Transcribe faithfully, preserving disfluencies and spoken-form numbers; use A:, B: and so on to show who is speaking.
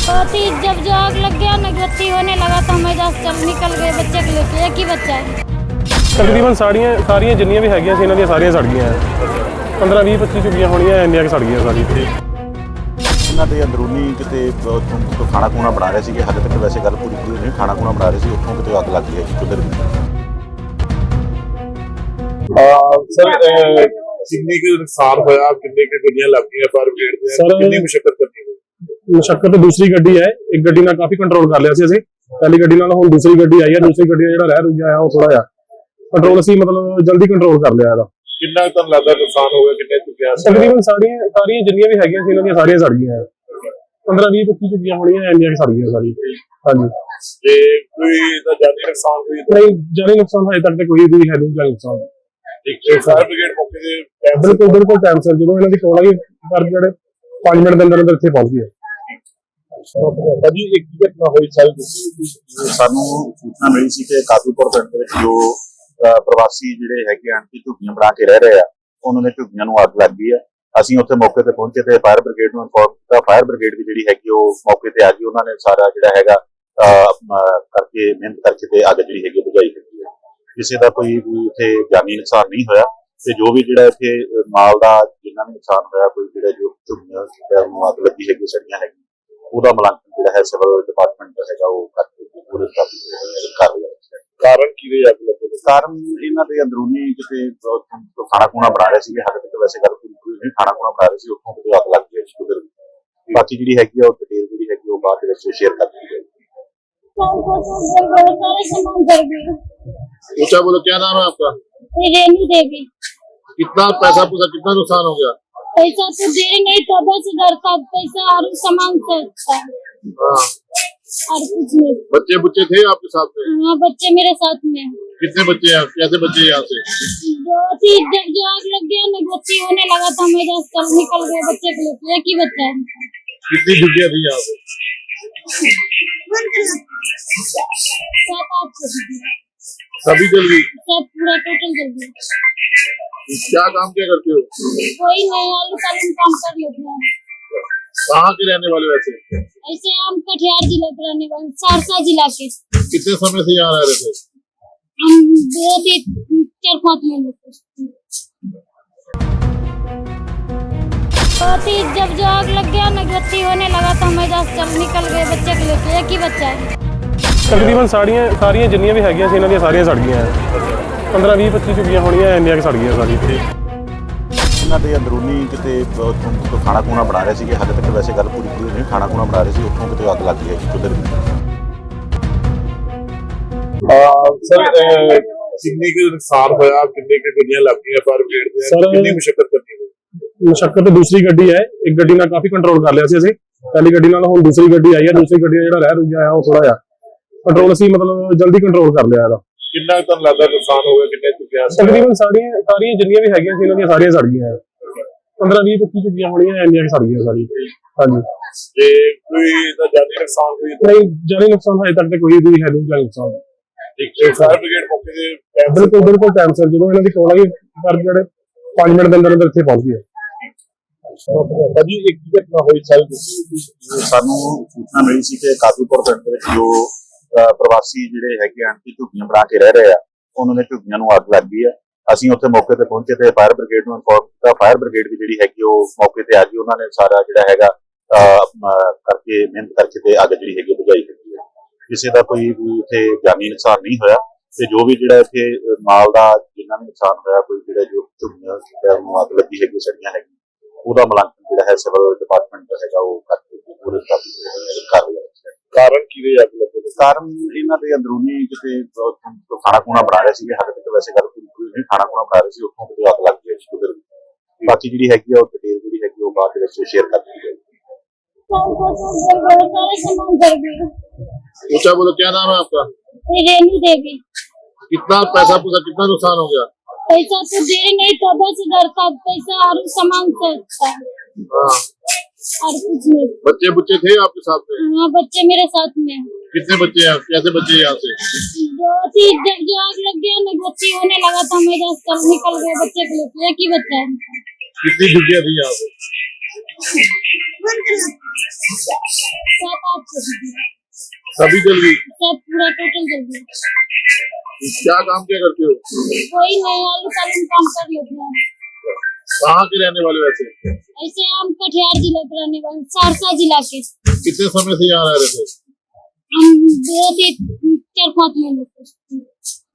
A: बहुत ही जब जो आग लग गया ना बत्ती होने लगा तो हम एजाज चल निकल गए बच्चे को लेके। एक ही बच्चा है।
B: तकरीबन साड़ियाँ सारियाँ जिन्नियां भी हैगियां सी इन्हां ਦੀਆਂ ਸਾਰੀਆਂ ਸੜ ਗਈਆਂ पंद्रह बीस पच्चीस ਝੁੱਗੀਆਂ ਹੋਣੀਆਂ ਇੰਨੀਆਂ ਕਿ ਸੜ ਗਈਆਂ ਸਾਰੀ।
C: ਇਹਨਾਂ ਦੇ ਅੰਦਰੂਨੀ ਕਿਤੇ ਉੱਥੋਂ ਖਾਣਾ ਖੂਣਾ ਬਣਾ ਰਹੇ ਸੀਗੇ। ਹਾਲੇ ਤੱਕ ਵੈਸੇ ਗੱਲ ਪੂਰੀ ਪੂਰੀ ਨਹੀਂ, ਖਾਣਾ ਖੂਣਾ ਬਣਾ ਰਹੇ ਸੀ, ਉੱਥੋਂ ਕਿਤੇ ਅੱਗ ਲੱਗ ਗਈ ਹੈ ਚੁੱਲ੍ਹੇ ਦੀ।
D: ਸਰ ਕਿੰਨੀ ਕੁ ਨੁਕਸਾਨ ਹੋਇਆ, ਕਿੰਨੇ ਕੁ ਗੱਡੀਆਂ ਲੱਗ ਗਈਆਂ ਫਾਇਰ ਬ੍ਰਿਗੇਡ ਦੀਆਂ, ਕਿੰਨੀ ਮੁਸ਼ਕਲ ਕਰਨੀ ਹੋਈ?
B: ਮੁਸ਼ੱਕਤ ਦੂਸਰੀ ਗੱਡੀ ਹੈ, ਇੱਕ ਗੱਡੀ ਨਾਲ ਕਾਫੀ ਕੰਟਰੋਲ ਕਰ ਲਿਆ ਸੀ ਅਸੀਂ। ਪਹਿਲੀ ਗੱਡੀ ਨਾਲ ਹੁਣ ਦੂਸਰੀ ਗੱਡੀ ਆਈ ਹੈ, ਦੂਸਰੀ ਗੱਡੀ ਦਾ ਜਿਹੜਾ ਰਹਿ ਰੁਕਿਆ ਆ ਉਹ ਥੋੜਾ ਜਿਹਾ ਕੰਟਰੋਲ ਅਸੀਂ ਮਤਲਬ ਜਲਦੀ ਕੰਟਰੋਲ ਕਰ ਲਿਆ ਇਹਦਾ।
D: ਕਿੰਨਾ ਕੁ ਤੁਹਾਨੂੰ ਲੱਗਦਾ ਨੁਕਸਾਨ ਹੋ ਗਿਆ, ਕਿੰਨੇ ਚੁੱਕਿਆ?
B: ਤਕਰੀਬਨ ਸਾਰੀਆਂ ਸਾਰੀਆਂ ਜਿੰਨੀਆਂ ਵੀ ਹੈਗੀਆਂ ਸੀ ਇਹਨਾਂ ਦੀਆਂ ਸਾਰੀਆਂ ਸੜ ਗਈਆਂ। ਪੰਦਰਾਂ ਵੀਹ ਪੱਚੀ ਝੁੱਗੀਆਂ ਹੋਣੀਆਂ ਇੰਨੀਆਂ ਸੜ ਗਈਆਂ ਸਾਰੀ। ਹਾਂਜੀ।
D: ਤੇ ਕੋਈ ਇਹਦਾ ਜਾਨੀ ਨੁਕਸਾਨ ਹੋਈ?
B: ਨਹੀਂ, ਜਾਨੀ ਨੁਕਸਾਨ ਹਜੇ ਤੱਕ ਤੇ ਕੋਈ ਵੀ ਹੈ ਨਹੀਂ ਜਾਨੀ ਨੁਕਸਾਨ।
D: ਠੀਕ ਹੈ। ਫਾਇਰ ਬ੍ਰਿਗੇਡ ਮੌਕੇ ਤੇ
B: ਬਿਲਕੁਲ ਬਿਲਕੁਲ ਟਾਈਮ ਸਿਰ ਜਦੋਂ ਇਹਨਾਂ ਦੀ ਕੋਲ ਆਈ ਕਰ ਜਿਹੜੇ ਪੰਜ ਮਿੰਟ ਦੇ ਅੰਦਰ ਅੰਦਰ ਇੱਥੇ ਪਹੁੰਚ ਗਏ।
D: ਭਾਜੀ ਇੱਕ ਘਟਨਾ ਹੋਈ ਸਾਲ
C: ਸਾਨੂੰ ਸੂਚਨਾ ਮਿਲੀ ਸੀ ਕਿ ਕਾਦੂਪੁਰ ਪਿੰਡ ਦੇ ਵਿੱਚ ਜੋ ਪ੍ਰਵਾਸੀ ਜਿਹੜੇ ਹੈਗੇ ਆਂਟੀ ਝੁੱਗੀਆਂ ਬਣਾ ਕੇ ਰਹਿ ਰਹੇ ਆ, ਉਹਨਾਂ ਦੇ ਝੁੱਗੀਆਂ ਨੂੰ ਅੱਗ ਲੱਗ ਗਈ ਆ। ਅਸੀਂ ਉੱਥੇ ਮੌਕੇ ਤੇ ਪਹੁੰਚੇ ਤੇ ਫਾਇਰ ਬ੍ਰਿਗੇਡ ਨੂੰ ਇਨਫੋਰਮ ਕੀਤਾ। ਫਾਇਰ ਬ੍ਰਿਗੇਡ ਵੀ ਜਿਹੜੀ ਹੈਗੀ ਉਹ ਮੌਕੇ ਤੇ ਆ ਗਈ। ਉਹਨਾਂ ਨੇ ਸਾਰਾ ਜਿਹੜਾ ਹੈਗਾ ਕਰਕੇ ਮਿਹਨਤ ਕਰਕੇ ਤੇ ਅੱਗ ਜਿਹੜੀ ਹੈਗੀ ਬੁਝਾਈ ਦਿੱਤੀ ਹੈ। ਕਿਸੇ ਦਾ ਕੋਈ ਵੀ ਇੱਥੇ ਜਾਨੀ ਨੁਕਸਾਨ ਨਹੀਂ ਹੋਇਆ ਤੇ ਜੋ ਵੀ ਜਿਹੜਾ ਇੱਥੇ ਮਾਲ ਦਾ ਜਿੰਨਾ ਵੀ ਨੁਕਸਾਨ ਹੋਇਆ, ਕੋਈ ਜਿਹੜਾ ਜੋ ਝੁੱਗੀਆਂ ਨੂੰ ਅੱਗ ਲੱਗੀ ਹੈਗੀ ਸੜੀਆਂ ਹੈਗੀ, ਉਹਦਾ ਮੁਲਾਂਕਣ ਜਿਹੜਾ ਹੈ ਸਿਵਲ ਡਿਪਾਰਟਮੈਂਟ ਦਾ ਹੈਗਾ ਉਹ ਕਰਕੇ ਪੂਰੇ ਕਰ ਰਿਹਾ।
D: ਕਾਰਨ ਕੀ ਰਿਹਾ ਅੱਗ ਲੱਗਣ ਦਾ?
C: ਕਾਰਨ ਇਹਨਾਂ ਦੇ ਅੰਦਰੂਨੀ ਕਿਤੇ ਖਾਣਾ ਖੂਣਾ ਬਣਾ ਰਹੇ ਸੀਗੇ। ਹਾਲੇ ਤੱਕ ਵੈਸੇ ਗੱਲ ਪੂਰੀ ਪੂਰੀ ਨਹੀਂ, ਖਾਣਾ ਖੂਣਾ ਬਣਾ ਰਹੇ ਸੀ, ਉੱਥੋਂ ਕਿਤੇ ਅੱਗ ਲੱਗ ਗਈ ਚੁੱਲ੍ਹੇ ਦੀ। ਬਾਕੀ ਜਿਹੜੀ ਹੈਗੀ ਆ ਉਹ ਡਿਟੇਲ ਜਿਹੜੀ ਹੈਗੀ ਉਹ ਬਾਅਦ ਦੇ ਵਿੱਚ ਸ਼ੇਅਰ ਕਰ ਦਿੱਤੀ ਜਾਏਗੀ।
D: ऊंचा बोलो, क्या नाम है आपका?
A: रेनू देवी।
D: कितना पैसा पूरा कितना नुकसान हो गया?
A: पैसा तो दे नहीं था, दस हजार का पैसा और सामान से था
D: हाँ।
A: और कुछ नहीं।
D: बच्चे बुच्चे थे आपके साथ में?
A: हाँ, बच्चे मेरे साथ में।
D: कितने बच्चे हैं? कैसे बच्चे यहाँ से?
A: बहुत ही जब जो आग लग गया ना बत्ती होने लगा था हम एजाज चल निकल गए बच्चे को लेके। एक ही बच्चा है।
D: कितनी झुग्गियाँ थी यहाँ पे?
A: सात आठ
D: सभी जल गई?
A: सब पूरा टोटल जल गया।
D: क्या काम क्या करते हो?
A: कोई नहीं, आलू कालू काम कर लेते हैं।
D: कहाँ के रहने वाले वैसे?
A: ऐसे हम कटिहार जिला के रहने वाले, सहरसा जिला के।
D: कितने समय से यहाँ रह रहे थे?
A: हम दो तीन चार पाँच महीने से। बहुत ही जब जो आग लग गया ना बत्ती होने लगा तो हम एजाज चल निकल गए बच्चे को लेके। एक ही बच्चा है।
B: ਤਕਰੀਬਨ ਸਾੜੀਆਂ ਸਾਰੀਆਂ ਜਿੰਨੀਆਂ ਵੀ ਹੈਗੀਆਂ ਸੀ ਇਹਨਾਂ ਦੀਆਂ ਸਾਰੀਆਂ ਸੜ ਗਈਆਂ। ਪੰਦਰਾਂ ਵੀਹ ਪੱਚੀ ਝੁੱਗੀਆਂ ਹੋਣੀਆਂ ਇੰਨੀਆਂ ਕਿ ਸੜ ਗਈਆਂ ਸਾਰੀ।
C: ਇਹਨਾਂ ਦੇ ਅੰਦਰੂਨੀ ਕਿਤੇ ਉੱਥੋਂ ਖਾਣਾ ਖੂਣਾ ਬਣਾ ਰਹੇ ਸੀਗੇ। ਹਾਲੇ ਤੱਕ ਵੈਸੇ ਗੱਲ ਪੂਰੀ ਪੂਰੀ ਨਹੀਂ, ਖਾਣਾ ਖੂਣਾ ਬਣਾ ਰਹੇ ਸੀ, ਉੱਥੋਂ ਕਿਤੇ ਅੱਗ ਲੱਗ ਗਈ ਹੈ ਚੁੱਲ੍ਹੇ ਦੀ।
D: ਸਰ ਕਿੰਨੀ ਕੁ ਨੁਕਸਾਨ ਹੋਇਆ, ਕਿੰਨੇ ਕੁ ਗੱਡੀਆਂ ਲੱਗ ਗਈਆਂ ਫਾਇਰ ਬ੍ਰਿਗੇਡ ਦੀਆਂ, ਕਿੰਨੀ ਮੁਸ਼ਕਲ ਕਰਨੀ ਹੋਈ?
B: ਮੁਸ਼ੱਕਤ ਦੂਸਰੀ ਗੱਡੀ ਹੈ, ਇੱਕ ਗੱਡੀ ਨਾਲ ਕਾਫੀ ਕੰਟਰੋਲ ਕਰ ਲਿਆ ਸੀ ਅਸੀਂ। ਪਹਿਲੀ ਗੱਡੀ ਨਾਲ ਹੁਣ ਦੂਸਰੀ ਗੱਡੀ ਆਈ ਹੈ, ਦੂਸਰੀ ਗੱਡੀ ਦਾ ਜਿਹੜਾ ਰਹਿ ਰੁਕਿਆ ਆ ਉਹ ਥੋੜਾ ਜਿਹਾ ਕੰਟਰੋਲ ਅਸੀਂ ਮਤਲਬ ਜਲਦੀ ਕੰਟਰੋਲ ਕਰ ਲਿਆ ਇਹਦਾ।
D: ਕਿੰਨਾ ਕੁ ਤੁਹਾਨੂੰ ਲੱਗਦਾ ਨੁਕਸਾਨ ਹੋ ਗਿਆ, ਕਿੰਨੇ ਚੁੱਕਿਆ?
B: ਤਕਰੀਬਨ ਸਾਰੀਆਂ ਸਾਰੀਆਂ ਜਿੰਨੀਆਂ ਵੀ ਹੈਗੀਆਂ ਸੀ ਇਹਨਾਂ ਦੀਆਂ ਸਾਰੀਆਂ ਸੜ ਗਈਆਂ। ਪੰਦਰਾਂ ਵੀਹ ਪੱਚੀ ਝੁੱਗੀਆਂ ਹੋਣੀਆਂ ਇੰਨੀਆਂ ਕਿ ਸੜ ਗਈਆਂ ਸਾਰੀ। ਹਾਂਜੀ।
D: ਤੇ ਕੋਈ ਇਹਦਾ ਜਾਨੀ ਨੁਕਸਾਨ ਹੋਈ?
B: ਨਹੀਂ, ਜਾਨੀ ਨੁਕਸਾਨ ਹਜੇ ਤੱਕ ਤੇ ਕੋਈ ਵੀ ਹੈ ਨਹੀਂ ਜਾਨੀ ਨੁਕਸਾਨ।
D: ਠੀਕ ਹੈ। ਫਾਇਰ ਬ੍ਰਿਗੇਡ ਮੌਕੇ ਤੇ
B: ਬਿਲਕੁਲ ਬਿਲਕੁਲ ਟਾਈਮ ਸਿਰ ਜਦੋਂ ਇਹਨਾਂ ਦੀ ਕੋਲ ਆਈ ਕਰ ਜਿਹੜੇ ਪੰਜ ਮਿੰਟ ਦੇ ਅੰਦਰ ਅੰਦਰ ਇੱਥੇ ਪਹੁੰਚ ਗਏ।
D: ਭਾਜੀ ਇੱਕ ਘਟਨਾ ਹੋਈ ਸਾਲ
C: ਸਾਨੂੰ ਸੂਚਨਾ ਮਿਲੀ ਸੀ ਕਿ ਕਾਦੂਪੁਰ ਪਿੰਡ ਦੇ ਵਿੱਚ ਜੋ ਪ੍ਰਵਾਸੀ ਜਿਹੜੇ ਹੈਗੇ ਆਂਟੀ ਝੁੱਗੀਆਂ ਬਣਾ ਕੇ ਰਹਿ ਰਹੇ ਆ, ਉਹਨਾਂ ਦੇ ਝੁੱਗੀਆਂ ਨੂੰ ਅੱਗ ਲੱਗ ਗਈ ਆ। ਅਸੀਂ ਉੱਥੇ ਮੌਕੇ ਤੇ ਪਹੁੰਚੇ ਤੇ ਫਾਇਰ ਬ੍ਰਿਗੇਡ ਨੂੰ ਇਨਫੋਰਮ ਕੀਤਾ। ਫਾਇਰ ਬ੍ਰਿਗੇਡ ਵੀ ਜਿਹੜੀ ਹੈਗੀ ਉਹ ਮੌਕੇ ਤੇ ਆ ਗਈ। ਉਹਨਾਂ ਨੇ ਸਾਰਾ ਜਿਹੜਾ ਹੈਗਾ ਕਰਕੇ ਮਿਹਨਤ ਕਰਕੇ ਤੇ ਅੱਗ ਜਿਹੜੀ ਹੈਗੀ ਬੁਝਾਈ ਦਿੱਤੀ ਹੈ। ਕਿਸੇ ਦਾ ਕੋਈ ਵੀ ਇੱਥੇ ਜਾਨੀ ਨੁਕਸਾਨ ਨਹੀਂ ਹੋਇਆ ਤੇ ਜੋ ਵੀ ਜਿਹੜਾ ਇੱਥੇ ਮਾਲ ਦਾ ਜਿੰਨਾ ਵੀ ਨੁਕਸਾਨ ਹੋਇਆ, ਕੋਈ ਜਿਹੜਾ ਜੋ ਝੁੱਗੀਆਂ ਨੂੰ ਅੱਗ ਲੱਗੀ ਹੈਗੀ ਸੜੀਆਂ ਹੈਗੀ, ਉਹਦਾ ਮੁਲਾਂਕਣ ਜਿਹੜਾ ਹੈ ਸਿਵਲ ਡਿਪਾਰਟਮੈਂਟ ਦਾ ਹੈਗਾ ਉਹ ਕਰਕੇ ਪੂਰੇ ਕਰ ਰਿਹਾ।
D: ਕਾਰਨ ਕੀ ਰਿਹਾ ਅੱਗ ਲੱਗਣ ਦਾ?
C: ਕਾਰਨ ਇਹਨਾਂ ਦੇ ਅੰਦਰੂਨੀ ਕਿਤੇ ਖਾਣਾ ਖੂਣਾ ਬਣਾ ਰਹੇ ਸੀਗੇ। ਹਾਲੇ ਤੱਕ ਵੈਸੇ ਗੱਲ ਪੂਰੀ ਪੂਰੀ ਨਹੀਂ, ਖਾਣਾ ਖੂਣਾ ਬਣਾ ਰਹੇ ਸੀ, ਉੱਥੋਂ ਕਿਤੇ ਅੱਗ ਲੱਗ ਗਈ ਚੁੱਲ੍ਹੇ ਦੀ। ਬਾਕੀ ਜਿਹੜੀ ਹੈਗੀ ਆ ਉਹ ਡਿਟੇਲ ਜਿਹੜੀ ਹੈਗੀ ਉਹ ਬਾਅਦ ਦੇ ਵਿੱਚ ਸ਼ੇਅਰ ਕਰ ਦਿੱਤੀ ਜਾਏਗੀ।
D: ऊंचा बोलो, क्या नाम है आपका?
A: रेनू देवी।
D: कितना पैसा पूरा कितना नुकसान हो गया?
A: पैसा तो दे नहीं था, दस हजार का पैसा और सामान से था
D: हाँ।
A: और कुछ नहीं।
D: बच्चे बुच्चे थे आपके साथ में?
A: हाँ, बच्चे मेरे साथ में।
D: कितने बच्चे हैं? कैसे बच्चे यहाँ से?
A: बहुत ही जब जो आग लग गया ना बत्ती होने लगा था हम एजाज चल निकल गए बच्चे को लेके। एक ही बच्चा है।
D: कितनी झुग्गियाँ थी यहाँ पे?
A: सात आठ
D: सभी जल गई।
A: सब पूरा टोटल जल गया।
D: क्या काम क्या करते हो?
A: कोई नहीं, आलू सालू काम कर लेते हैं।
D: कहाँ के रहने वाले वैसे?
A: ऐसे हम कटिहार जिला के रहने वाले, सहरसा जिला के।
D: कितने समय से यहाँ रह रहे थे?
A: हम दो तीन चार पाँच महीने से।